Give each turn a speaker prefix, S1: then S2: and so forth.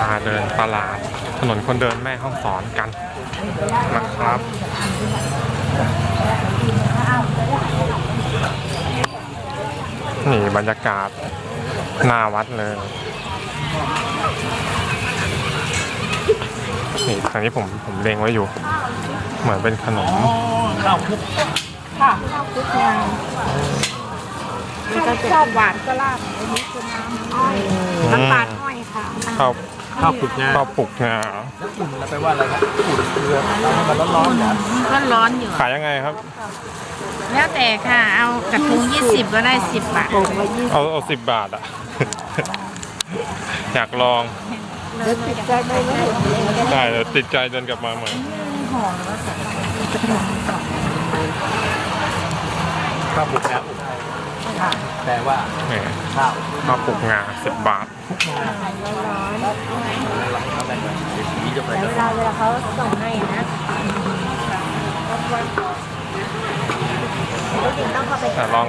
S1: มาเดินตลาดถนนคนเดินแม่ฮ่องสอนกันนะครับนี่บรรยากาศหน้าวัดเลยนี่ทางนี้ผมเล็งไว้อยู่เหมือนเป็นขนม
S2: ข้าวคลุก
S3: ค่ะข้าวคลุกงาชอบหวานก็ราดอันนี้คือน้ำอ้อยน้ำตาลอ้อยค่ะ
S1: ข้าว
S2: ข้าวคลุกงา
S1: ข้าวปลุกงา
S2: แล้วอุ่นแล้วไปว่าอะไรนะอุ่นเกลือทำให้มันร้อนๆอย่าง
S3: ก็ร้อนอยู่
S1: ขายยังไงครับ
S3: แล้วแต่ค่ะ เอากระทุง20ก็ได้10 บาท
S1: เอา10 บาทอ่ะ อยากลอง
S3: แล้วติดใจไหมลูก
S1: ได้เดี๋ยวติดใจเดินกลับมาใหม่
S2: ข้าวคลุกงาอุ่นแต่ว่า
S1: นี่
S2: ข้าว
S1: ข้าวปลุกงา10 บาท
S2: เอาแบบสีจะไป
S3: เวลาเขาส่งให้นะต้องเข้าไป
S1: แต่ลอง